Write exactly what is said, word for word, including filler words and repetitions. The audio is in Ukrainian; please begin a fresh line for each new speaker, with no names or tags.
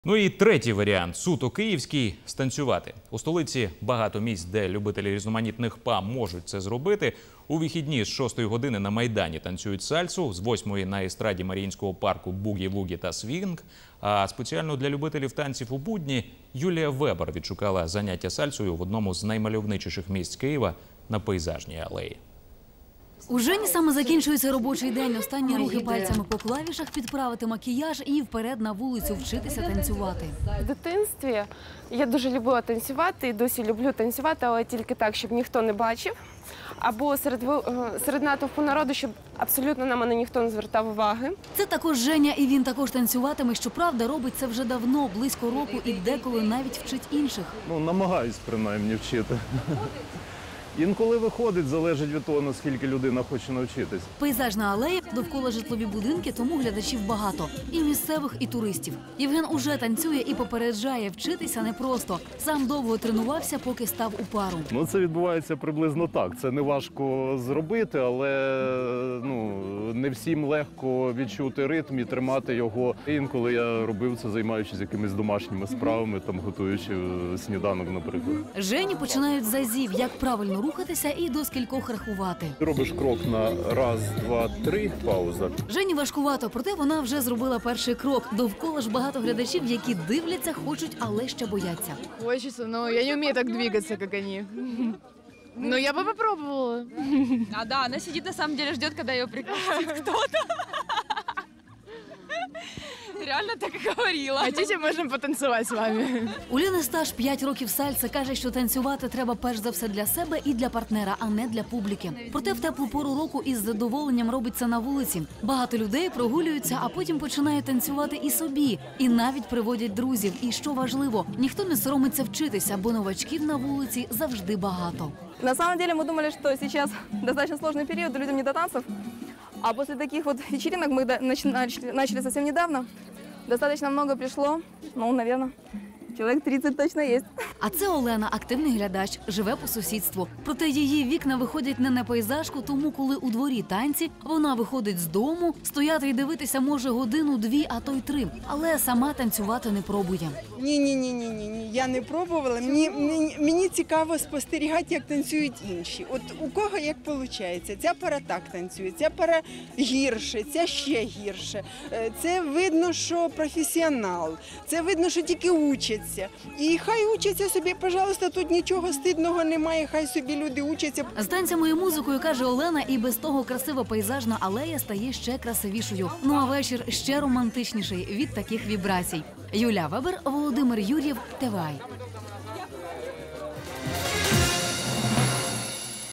Ну і третій варіант – суто київський – станцювати. У столиці багато місць, де любителі різноманітних па можуть це зробити. У вихідні з шостої години на Майдані танцюють сальсу, з восьмої на естраді Маріїнського парку бугі-вугі та свінг. А спеціально для любителів танців у будні Юлія Вебер відшукала заняття сальсою в одному з наймальовничіших місць Києва на Пейзажній алеї.
У Жені саме закінчується робочий день. Останні рухи пальцями по клавішах, підправити макіяж і вперед на вулицю вчитися танцювати.
В дитинстві я дуже любила танцювати і досі люблю танцювати, але тільки так, щоб ніхто не бачив. Або серед, серед натовпу народу, щоб абсолютно на мене ніхто не звертав уваги.
Це також Женя, і він також танцюватиме. Щоправда, робить це вже давно, близько року, і деколи навіть вчить інших.
Ну, намагаюсь принаймні вчити. Інколи виходить, залежить від того, наскільки людина хоче навчитись.
Пейзажна алея, довкола житлові будинки, тому глядачів багато. І місцевих, і туристів. Євген уже танцює і попереджає, вчитися непросто. Сам довго тренувався, поки став у пару.
Ну, це відбувається приблизно так. Це не важко зробити, але ну, не всім легко відчути ритм і тримати його. Інколи я робив це, займаючись якимись домашніми справами, там, готуючи сніданок, наприклад.
Жені починають з азів, як правильно рухатися і до скількох рахувати.
Робиш крок на раз, два, три, пауза.
Жені важкувато, проте вона вже зробила перший крок. Довкола ж багато глядачів, які дивляться, хочуть, але ще бояться.
Хочется, но я не умею так двигаться, как они. Но я бы попробовала.
А да, она сидит на самом деле, ждет, когда ее пригласит кто-то. Реально так и говорила.
Хотите, можем потанцевать с вами.
У Ліни стаж п'ять років сальса. Каже, що танцювати треба перш за все для себе і для партнера, а не для публіки. Проте в теплу пору року із задоволенням робить це на вулиці. Багато людей прогулюються, а потім починають танцювати і собі. І навіть приводять друзів. І що важливо, ніхто не соромиться вчитися, бо новачків на вулиці завжди багато.
На самом деле мы думали, что сейчас достаточно сложный период, людям не до танцев. А после таких вот вечеринок мы начали, начали совсем недавно. Достаточно много пришло, ну, наверное, чоловік тридцять точно є.
А це Олена, активний глядач, живе по сусідству. Проте її вікна виходять не на пейзажку, тому коли у дворі танці, вона виходить з дому, стояти і дивитися може годину-дві, а то й три. Але сама танцювати не пробує.
Ні-ні-ні, ні, я не пробувала. Мені, мені, мені цікаво спостерігати, як танцюють інші. От у кого як виходить. Ця пара так танцює, ця пара гірше, ця ще гірше. Це видно, що професіонал, це видно, що тільки учать. І хай учаться собі, пожалуйста, тут нічого стидного немає, хай собі люди учаться.
З танцями і музикою, каже Олена, і без того красива пейзажна алея стає ще красивішою. Ну а вечір ще романтичніший від таких вібрацій. Юлія Вебер, Володимир Юр'єв, ТВАЙ.